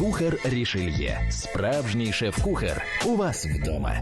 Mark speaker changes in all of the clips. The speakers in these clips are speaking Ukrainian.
Speaker 1: Кухар Рішельє. Справжній шеф-кухар. У вас вдома.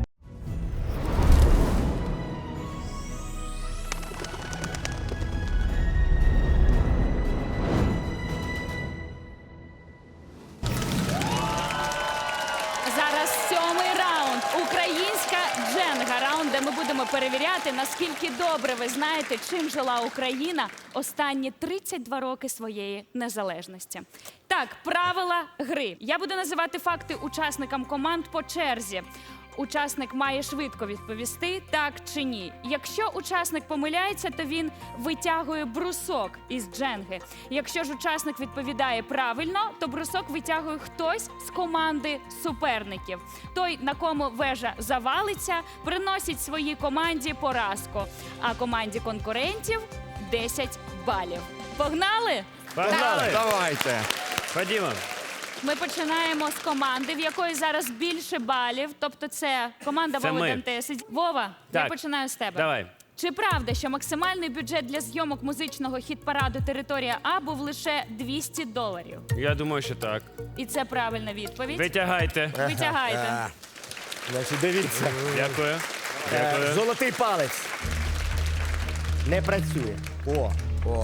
Speaker 2: Зараз 7-й раунд. Українська дженга. Раунд, де ми будемо перевіряти, наскільки добре ви знаєте, чим жила Україна останні 32 роки своєї незалежності. Так, правила гри. Я буду називати факти учасникам команд по черзі. Учасник має швидко відповісти, так чи ні. Якщо учасник помиляється, то він витягує брусок із дженги. Якщо ж учасник відповідає правильно, то брусок витягує хтось з команди суперників. Той, на кому вежа завалиться, приносить своїй команді поразку, а команді конкурентів 10 балів. Погнали?
Speaker 3: Погнали!
Speaker 4: Давайте.
Speaker 3: Ходімо.
Speaker 2: Ми починаємо з команди, в якої зараз більше балів. Тобто це команда
Speaker 3: Це
Speaker 2: Вови
Speaker 3: ми.
Speaker 2: Дантеси. Вова, я
Speaker 3: Так.
Speaker 2: починаю з тебе.
Speaker 3: Давай.
Speaker 2: Чи правда, що максимальний бюджет для зйомок музичного хіт-параду «Територія А» був лише $200?
Speaker 3: Я думаю, що так.
Speaker 2: І це правильна відповідь.
Speaker 3: Витягайте.
Speaker 2: Витягайте.
Speaker 5: Значить, дивіться.
Speaker 3: Дякую. Дякую.
Speaker 5: Золотий палець. Не працює. О.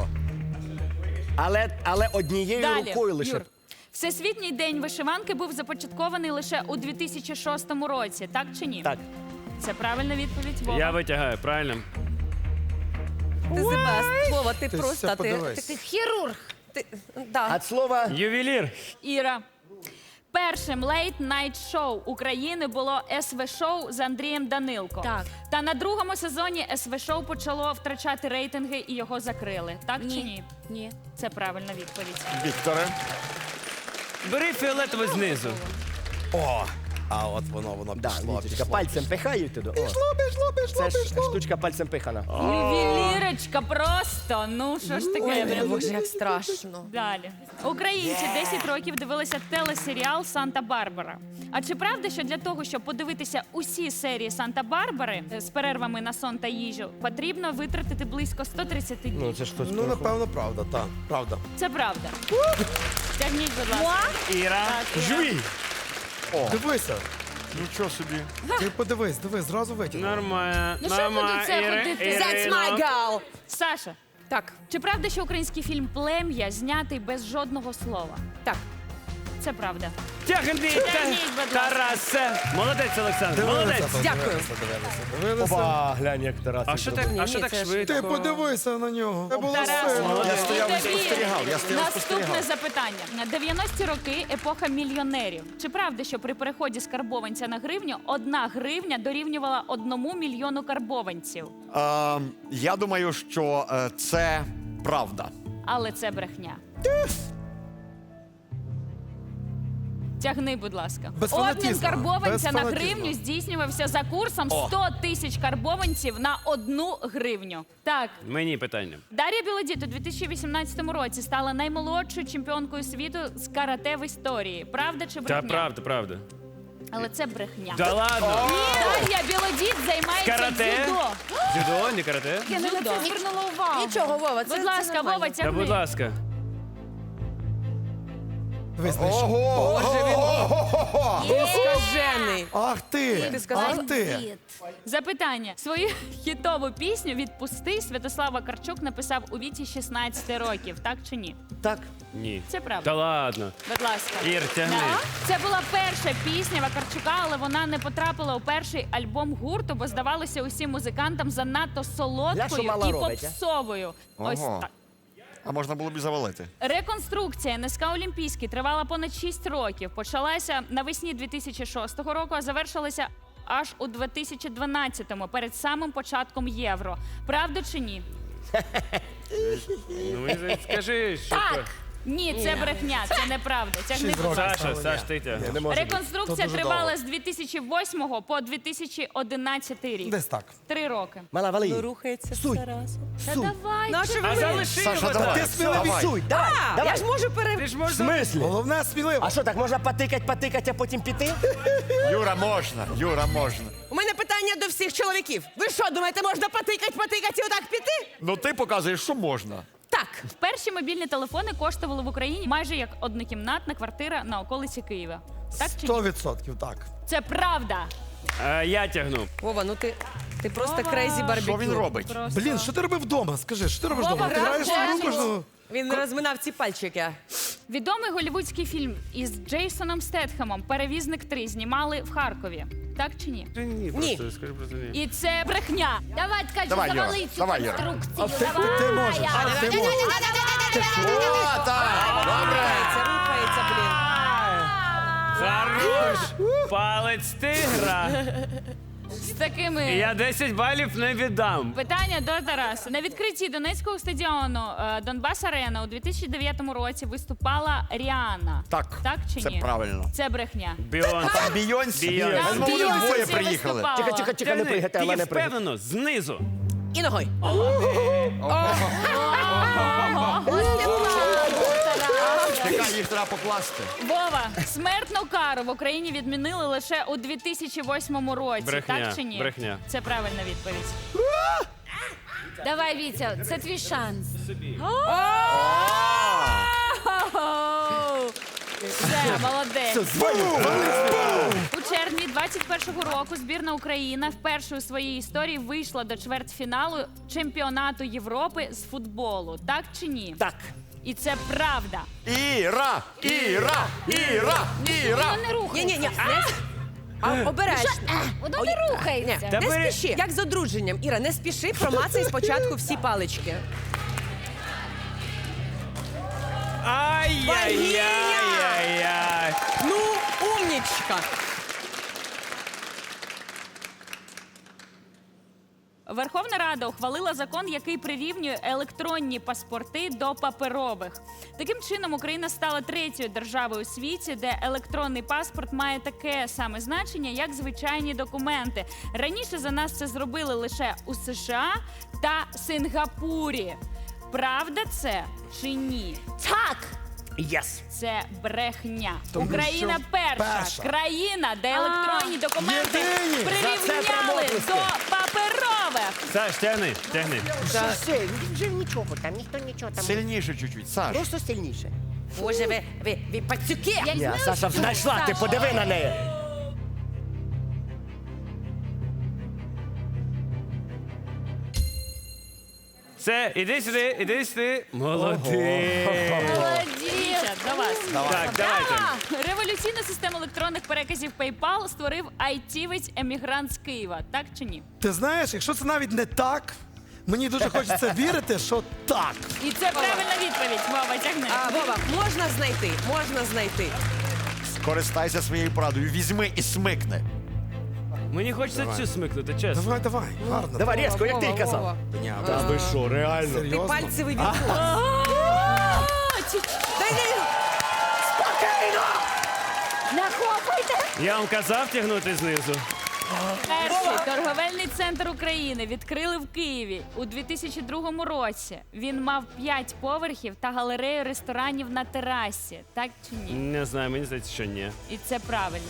Speaker 5: Але однією
Speaker 2: Далі,
Speaker 5: рукою лише.
Speaker 2: Юр. Всесвітній день вишиванки був започаткований лише у 2006 році, так чи ні?
Speaker 5: Так.
Speaker 2: Це правильна відповідь, Вова.
Speaker 3: Я витягаю, правильно?
Speaker 6: Ти Себаст, Вова, ти
Speaker 4: Ти
Speaker 6: просто
Speaker 4: все подивись.
Speaker 6: ти хірург. Да.
Speaker 5: От слова
Speaker 3: Ювелір.
Speaker 2: Іра. Першим лейт-найт-шоу України було СВ-шоу з Андрієм Данилко.
Speaker 6: Так.
Speaker 2: Та на другому сезоні СВ-шоу почало втрачати рейтинги і його закрили. Так чи ні?
Speaker 6: Ні.
Speaker 2: Це правильна відповідь.
Speaker 4: Вікторе.
Speaker 3: Бери фіолетове знизу.
Speaker 4: О! А от воно
Speaker 5: да,
Speaker 4: пішло,
Speaker 5: Вітечка,
Speaker 4: пішло.
Speaker 5: пальцем пихають туди. Пішло. Це ж штучка пальцем пихана.
Speaker 2: Ювелірочка просто. Ну, що ж таке?
Speaker 6: Ой, Боже, як страшно.
Speaker 2: Далі. Українці 10 років дивилися телесеріал «Санта-Барбара». А чи правда, що для того, щоб подивитися усі серії «Санта-Барбари» з перервами на сон та їжу, потрібно витратити близько 130 днів?
Speaker 5: Ну, це ж хтось
Speaker 4: Ну, напевно, правда, так. Правда.
Speaker 2: Це правда. Тягніть, будь ласка.
Speaker 3: Іра.
Speaker 2: Так, Іра.
Speaker 4: Жуй! Дивися. Нічого собі. Ти подивись, зразу витягнув.
Speaker 3: Нормально.
Speaker 2: Ну, що буду це
Speaker 3: Іри-
Speaker 2: ходити?
Speaker 6: That's
Speaker 3: Ірино.
Speaker 6: my girl.
Speaker 2: Саша,
Speaker 6: Так,
Speaker 2: чи правда, що український фільм «Плем'я» знятий без жодного слова?
Speaker 6: так.
Speaker 2: Це правда.
Speaker 3: Тягніть,
Speaker 2: Тягніть, будь ласка.
Speaker 3: Тарасе. Молодець, Олександр, молодець.
Speaker 6: Дякую.
Speaker 4: Дивилися.
Speaker 5: Опа, глянь, як Тарас.
Speaker 3: А що так,
Speaker 6: Ні,
Speaker 3: так
Speaker 6: це ж-
Speaker 3: швидко?
Speaker 4: Ти подивися на нього. Це було
Speaker 2: Тарас,
Speaker 4: сильно.
Speaker 3: Я стояв
Speaker 2: і
Speaker 3: і
Speaker 2: тобі
Speaker 4: спостерігав, я стояв і
Speaker 2: Наступне
Speaker 4: спостерігав.
Speaker 2: запитання. На 90-ті роки епоха мільйонерів. Чи правда, що при переході з карбованця на гривню 1 гривня дорівнювала 1 мільйону карбованців?
Speaker 7: Я думаю, що це правда.
Speaker 2: Але це брехня. Тягни, будь ласка.
Speaker 4: Без
Speaker 2: Обмін
Speaker 4: фанатізму.
Speaker 2: карбованця
Speaker 4: Без
Speaker 2: на
Speaker 4: фанатізму.
Speaker 2: гривню здійснювався за курсом 100 тисяч карбованців на 1 гривню. Так,
Speaker 3: Мені питання.
Speaker 2: Дар'я Білодід у 2018 році стала наймолодшою чемпіонкою світу з карате в історії. Правда чи брехня?
Speaker 3: Та правда, правда.
Speaker 2: Але це брехня.
Speaker 3: Да ладно.
Speaker 2: Дар'я Білодід займається
Speaker 3: Карате?
Speaker 2: дзюдо.
Speaker 3: Дзюдо, не карате?
Speaker 2: Я не на це звернула увагу.
Speaker 6: Нічого, Вова, це
Speaker 2: Будь ласка,
Speaker 6: нормально.
Speaker 2: Вова,
Speaker 3: Та
Speaker 2: тягни.
Speaker 3: будь ласка.
Speaker 6: Ти скажений.
Speaker 4: Ах ти!
Speaker 6: Ти сказав?
Speaker 4: Ах ти!
Speaker 2: Запитання. Свою хітову пісню «Відпусти» Святослав Вакарчук написав у віці 16 років. Так чи ні?
Speaker 5: Так.
Speaker 3: Ні.
Speaker 2: Це правда.
Speaker 3: Та ладно.
Speaker 2: Будь ласка.
Speaker 3: Ір, тягни.
Speaker 2: Це була перша пісня Вакарчука, але вона не потрапила у перший альбом гурту, бо здавалося усім музикантам занадто
Speaker 5: Ля, що
Speaker 2: солодкою
Speaker 5: мала
Speaker 2: і
Speaker 5: робить, а?
Speaker 2: попсовою. Ось
Speaker 7: Ого.
Speaker 2: так.
Speaker 7: А можна було б і завалити.
Speaker 2: Реконструкція НСК Олімпійський тривала понад 6 років. Почалася навесні 2006 року, а завершилася аж у 2012-му, перед самим початком Євро. Правда чи ні?
Speaker 3: Ну, скажи, що
Speaker 2: Так!
Speaker 3: то.
Speaker 2: Ні, це брехня, це неправда. Тягни, будь ласка.
Speaker 3: Саша, Саш, ти тягни.
Speaker 5: Не може бути.
Speaker 2: Реконструкція тривала з 2008 по 2011 рік.
Speaker 4: Десь так.
Speaker 2: 3 роки.
Speaker 5: Мала, вали.
Speaker 6: Ну, рухається
Speaker 5: Суй.
Speaker 6: все разом.
Speaker 2: Та давай.
Speaker 6: Нащо ви
Speaker 3: А
Speaker 6: мені?
Speaker 3: залиши
Speaker 7: Саша,
Speaker 3: його
Speaker 7: давай.
Speaker 3: так.
Speaker 5: Ти сміливо
Speaker 7: Давай.
Speaker 5: відсуй. Давай,
Speaker 6: Я
Speaker 5: давай.
Speaker 6: ж можу
Speaker 3: Ти ж
Speaker 5: В
Speaker 3: можеш...
Speaker 5: смислі?
Speaker 4: Головне сміливо.
Speaker 5: А що, так можна потикать, а потім піти?
Speaker 7: Юра, можна. Юра, можна.
Speaker 6: У мене питання до всіх чоловіків. Ви що, думаєте, можна потикать і отак піти?
Speaker 7: Ну ти показуєш, що можна.
Speaker 6: Так.
Speaker 2: Перші мобільні телефони коштували в Україні майже як однокімнатна квартира на околиці Києва. Так чи ні?
Speaker 4: 100% так.
Speaker 2: Це правда.
Speaker 3: Я тягну.
Speaker 6: Вова, ну ти просто крейзі барбекю.
Speaker 7: Що він робить?
Speaker 2: Просто.
Speaker 4: Блін, що ти робив вдома? Скажи, що ти робиш
Speaker 2: Вова,
Speaker 4: вдома? Ти граєш в
Speaker 2: грав
Speaker 4: гру
Speaker 2: в теніс.
Speaker 4: кожного?
Speaker 6: Він розминав ці пальчики.
Speaker 2: Відомий голлівудський фільм із Джейсоном Стетхемом «Перевізник 3» знімали в Харкові. Так чи ні?
Speaker 3: Ні,
Speaker 6: Ні.
Speaker 3: просто скажи просто ні.
Speaker 2: І це брехня.
Speaker 8: Давай, ткачу,
Speaker 7: Давай, Юра,
Speaker 8: завали цю
Speaker 7: давай, Юра.
Speaker 8: конструкцію.
Speaker 4: Ти можеш, ти можеш.
Speaker 7: О, так, добре.
Speaker 6: Рухається, блін.
Speaker 3: Хорош! Палець тигра.
Speaker 2: З такими
Speaker 3: Я 10 балів не віддам.
Speaker 2: питання до Тараса. На відкритті Донецького стадіону Донбас Арена у 2009 році виступала Ріана.
Speaker 7: Так,
Speaker 2: Так чи
Speaker 7: це
Speaker 2: ні?
Speaker 7: правильно.
Speaker 2: Це брехня.
Speaker 3: Біон.
Speaker 7: Бійонсі.
Speaker 3: Бейонсе.
Speaker 7: Ми з Молодим
Speaker 2: Бейонсе
Speaker 7: двоє
Speaker 2: це
Speaker 7: приїхали.
Speaker 2: виступала.
Speaker 5: Тихо, не пригайте, але
Speaker 3: Ти
Speaker 5: не пригайте.
Speaker 3: впевнено, знизу.
Speaker 6: І ногою.
Speaker 7: Чекай, їх треба покласти.
Speaker 2: Вова, смертну кару в Україні відмінили лише у 2008 році.
Speaker 3: Брехня,
Speaker 2: Так чи ні?
Speaker 3: брехня.
Speaker 2: Це правильна відповідь.
Speaker 8: Давай, Вітя, це твій шанс.
Speaker 2: Все, молодець. У червні 21-го року збірна Україна вперше у своїй історії вийшла до чвертьфіналу чемпіонату Європи з футболу. Так чи ні?
Speaker 5: Так.
Speaker 2: І це правда.
Speaker 7: Іра!
Speaker 8: Воно не рухається.
Speaker 6: Ні. Обережно.
Speaker 8: Воно не рухається.
Speaker 3: Та
Speaker 6: Не
Speaker 3: бери-
Speaker 6: спіши. Як з одруженням. Іра, не спіши, промацай спочатку всі палички.
Speaker 3: Ай-яй-яй-яй-яй.
Speaker 6: Ну, умнічка.
Speaker 2: Верховна Рада ухвалила закон, який прирівнює електронні паспорти до паперових. Таким чином, Україна стала третьою державою у світі, де електронний паспорт має таке саме значення, як звичайні документи. Раніше за нас це зробили лише у США та Сингапурі. Правда це чи ні?
Speaker 8: Так.
Speaker 5: Єс.
Speaker 2: Це брехня.
Speaker 4: Тому
Speaker 2: Україна
Speaker 4: що
Speaker 2: перша
Speaker 4: перша.
Speaker 2: країна, де електронні документи
Speaker 4: Єдині.
Speaker 5: За це
Speaker 2: прирівняли
Speaker 5: промовисти.
Speaker 2: до паперових.
Speaker 3: Саш, тягни.
Speaker 5: Все, вже нічого там, ніхто нічого там.
Speaker 7: Сильніше чуть-чуть, Саш.
Speaker 5: Просто сильніше.
Speaker 6: Боже, ви пацюки.
Speaker 8: Я
Speaker 5: Ні,
Speaker 8: знаю,
Speaker 5: Саша
Speaker 8: що
Speaker 5: знайшла, ти
Speaker 8: Саша.
Speaker 5: подиви на неї.
Speaker 3: Все, іди сюди. Молодець.
Speaker 2: Дівчат, до вас.
Speaker 3: Так, давайте.
Speaker 2: Революційну систему електронних переказів PayPal створив айтівець емігрант з Києва. Так чи ні?
Speaker 4: Ти знаєш, якщо це навіть не так, мені дуже хочеться вірити, що так.
Speaker 2: І це правильна відповідь. Вова, тягни.
Speaker 6: Вова, можна знайти.
Speaker 7: Скористайся своєю порадою. Візьми і смикни.
Speaker 3: Мені хочеться цю смикнути, чесно.
Speaker 4: Давай, гарно.
Speaker 5: Давай різко, як ти й
Speaker 6: Вова,
Speaker 5: казав.
Speaker 6: Вова.
Speaker 5: Та ви що, реально?
Speaker 6: Ти
Speaker 4: Серйозно?
Speaker 6: пальцевий вірус.
Speaker 8: Нахопайте.
Speaker 3: Я вам казав тягнути знизу.
Speaker 2: Перший торговельний центр України відкрили в Києві у 2002 році. Він мав 5 поверхів та галерею ресторанів на терасі. Так чи ні?
Speaker 3: Не знаю, мені здається, що ні.
Speaker 2: І це правильно.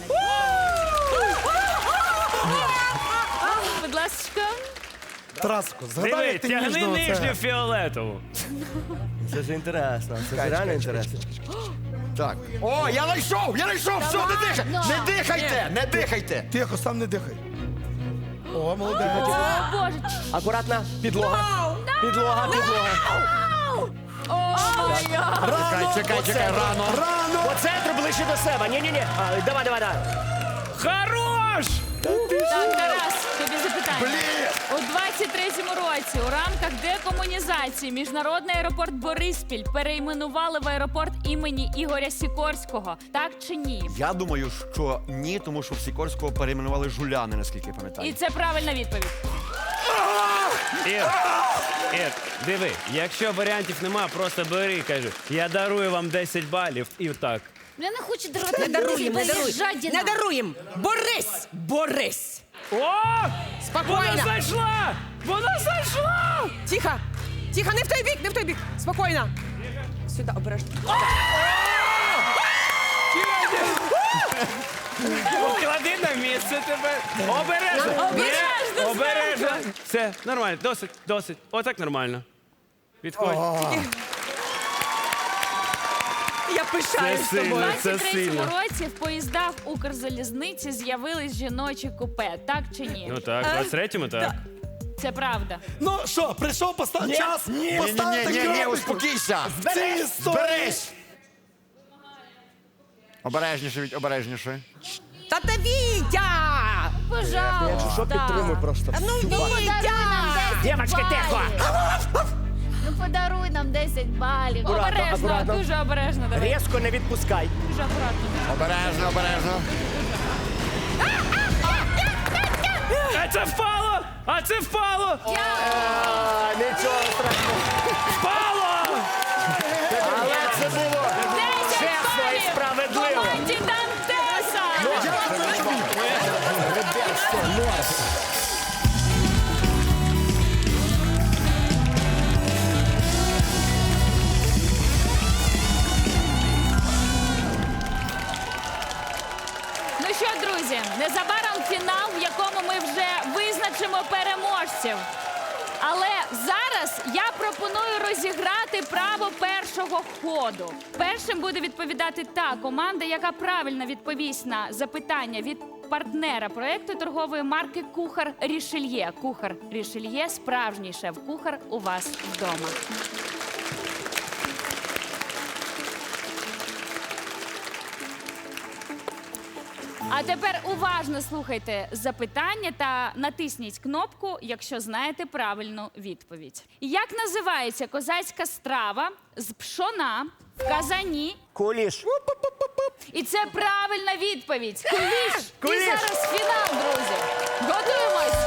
Speaker 2: Будь ласка.
Speaker 4: Тараско, згадай,
Speaker 3: Диви,
Speaker 4: як ти
Speaker 3: тягни
Speaker 4: ніжно
Speaker 3: нижню
Speaker 4: це.
Speaker 3: фіолетову.
Speaker 5: Це ж інтересно, це ж реально інтересно.
Speaker 7: Так. О, я знайшов! Все, не дихайте! Не дихайте! Не дихайте!
Speaker 4: Тихо, сам не дихай. О, молодець.
Speaker 2: О, Боже.
Speaker 5: Акуратно, підлога. Підлога.
Speaker 7: Чекай, рано.
Speaker 4: Рано!
Speaker 5: По центру ближче до себе. Ні. Давай.
Speaker 3: Хорош!
Speaker 2: Так, Тарас, тобі запитання. У 23-му році у рамках декомунізації міжнародний аеропорт Бориспіль перейменували в аеропорт імені Ігоря Сікорського. Так чи ні?
Speaker 7: Я думаю, що ні, тому що в Сікорського перейменували Жуляни, наскільки я
Speaker 2: І
Speaker 7: пам'ятаю.
Speaker 2: це правильна відповідь.
Speaker 3: Ір, диви, якщо варіантів нема, просто бери, кажи, я дарую вам 10 балів і так.
Speaker 8: Я не хочу дарувати.
Speaker 6: Не даруємо.
Speaker 8: Жадіна.
Speaker 6: Не даруємо. Борись.
Speaker 3: О! Вона
Speaker 6: Спокійно.
Speaker 3: зайшла! Вона зайшла!
Speaker 6: Тихо, не в той бік. Спокійно. Сюди, обережно.
Speaker 3: Поклади на місце тебе. Обережно! Ні, обережно! Все, нормально, досить. Отак нормально. Підходь.
Speaker 6: Я пишаюсь
Speaker 3: Це сильно.
Speaker 6: тобою.
Speaker 2: У
Speaker 3: Це
Speaker 2: 23-му
Speaker 3: сильно.
Speaker 2: році в поїздах Укрзалізниці з'явились жіночі купе. Так чи ні?
Speaker 3: Ну так, 23-му так.
Speaker 2: Це правда.
Speaker 4: Ну що, прийшов час поставити
Speaker 7: Ні,
Speaker 4: крапочку.
Speaker 7: успокійся.
Speaker 4: В цій історії.
Speaker 7: Зберись. Обережніше, Віть, обережніше.
Speaker 6: Та ти Вітя!
Speaker 8: Пожалуйста.
Speaker 5: Якщо що, підтримуй просто.
Speaker 6: Ну,
Speaker 8: Ну, подаруй нам 10
Speaker 5: Дівочки, тихо!
Speaker 8: балів. Ну, подаруй нам 10 балів.
Speaker 2: Обережно,
Speaker 5: акуратно.
Speaker 2: дуже обережно. Давай.
Speaker 5: Різко не відпускай.
Speaker 2: Дуже акуратно.
Speaker 7: Обережно, обережно.
Speaker 3: А це впало! А це впало!
Speaker 5: А, нічого страшного.
Speaker 3: Впало!
Speaker 5: Але це було
Speaker 2: 10
Speaker 5: чесно і
Speaker 2: балів
Speaker 5: справедливо.
Speaker 2: команді Дантеса!
Speaker 5: Ребятство, норм.
Speaker 2: Ну що, друзі, незабаром фінал, в якому ми вже визначимо переможців. Але зараз я пропоную розіграти право першого ходу. Першим буде відповідати та команда, яка правильно відповість на запитання від партнера проекту торгової марки Кухар Рішельє. Кухар Рішельє – справжній шеф-кухар у вас вдома. А тепер уважно слухайте запитання та натисніть кнопку, якщо знаєте правильну відповідь. Як називається козацька страва з пшона в казані?
Speaker 5: Куліш.
Speaker 2: І це правильна відповідь. Куліш!
Speaker 5: Куліш!
Speaker 2: І зараз фінал, друзі. Готуємось!